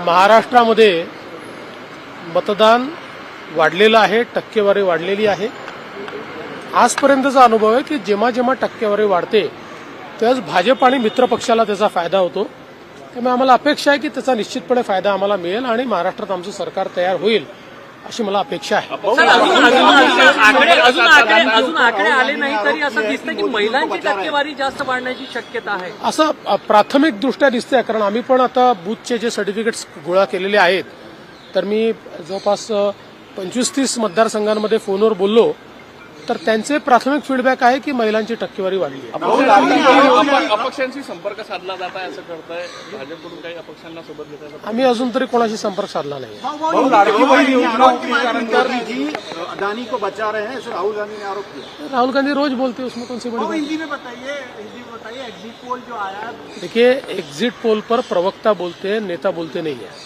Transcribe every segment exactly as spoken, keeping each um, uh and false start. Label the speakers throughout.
Speaker 1: महाराष्ट्रामध्ये मतदान वाढलेलं आहे, टक्केवारी वाढलेली आहे। आजपर्यंतचा अनुभव आहे की जेव्हा जेव्हा टक्केवारी वाढते त्याच भाजप आणि मित्र पक्षाला त्याचा फायदा होतो। त्यामुळे आम्हाला अपेक्षा आहे की त्याचा निश्चितपणे फायदा आम्हाला मिळेल आणि महाराष्ट्रात आमचं सरकार तयार होईल अशी मला अपेक्षा आहे।
Speaker 2: अजून आकडे आले नाही तरी असं दिसतं की महिलांची टक्केवारी जास्त वाढण्याची शक्यता आहे
Speaker 1: असं प्राथमिक दृष्ट्या दिसतंय। कारण आम्ही पण आता बूथचे जे सर्टिफिकेट्स गोळा केलेले आहेत तर मी जवळपास पंचवीस तीस मतदारसंघांमध्ये फोनवर बोललो तर त्यांचे प्राथमिक फीडबॅक आहे की महिलांची टक्केवारी वाढली आहे।
Speaker 3: अपक्षांशी संपर्क साधला जात आहे असं करताय भाजपकडून, काही अपक्षांना सोबत घेताय?
Speaker 1: आम्ही अजून तरी कोणाशी संपर्क साधला नाही।
Speaker 4: अदानी को बचा रहे हैं, राहुल गांधी ने आरोप किया।
Speaker 1: राहुल गांधी रोज बोलते हैं, उसमें कौन सी बड़ी बात?
Speaker 4: हिंदी में बताइए, हिंदी में बताइए एग्जिट पोल जो आया।
Speaker 1: देखिए, एग्जिट पोल पर प्रवक्ता बोलते हैं, नेता बोलते नहीं है।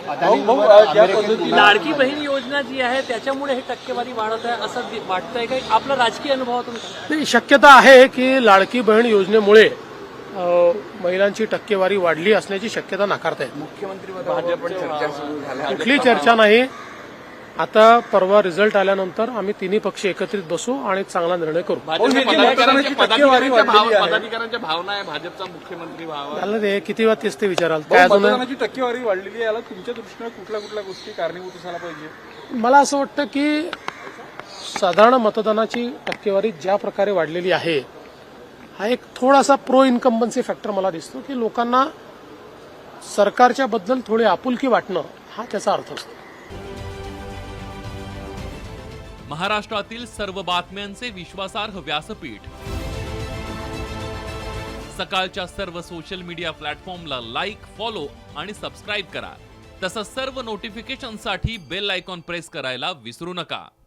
Speaker 2: लाडकी बहीण योजना जी आहे त्याच्यामुळे हे टक्केवारी वाढत आहे असं वाटतंय का? आपला राजकीय अनुभवातून
Speaker 1: नाही, शक्यता आहे की लाडकी बहीण योजनेमुळे महिलांची टक्केवारी वाढली असण्याची शक्यता नाकारता येईल।
Speaker 3: मुख्यमंत्री चर्चा सुरू झाल्या,
Speaker 1: कुठली चर्चा नाही। आता परवा रिझल्ट आल्यानंतर आम्ही तिन्ही पक्ष एकत्रित बसू आणि चांगला निर्णय करू।
Speaker 3: पदाधिकाऱ्यांच्या भावना आहे भाजपचा मुख्यमंत्री व्हावा,
Speaker 1: झालं ते किती वेळा तेच ते विचाराल काय? अजून
Speaker 3: टक्केवारी वाढलेली याला तुमच्या दृष्टीने कुठल्या कुठल्या गोष्टी कारणीभूत असायला पाहिजे?
Speaker 1: मला असं वाटतं की साधारण मतदानाची टक्केवारी ज्या प्रकारे वाढलेली आहे हा एक थोडासा प्रो इन्कम्बन्सी फॅक्टर मला दिसतो की लोकांना सरकारच्या बद्दल थोडी आपुलकी वाटणं हा त्याचा अर्थ असतो।
Speaker 5: महाराष्ट्रातील सर्व बातम्यांचे विश्वासार्ह व्यासपीठ सकाळच्या सर्व सोशल मीडिया प्लॅटफॉर्मला लाईक, फॉलो आणि सबस्क्राईब करा। तसंच सर्व नोटिफिकेशनसाठी बेल आयकॉन प्रेस करायला विसरू नका।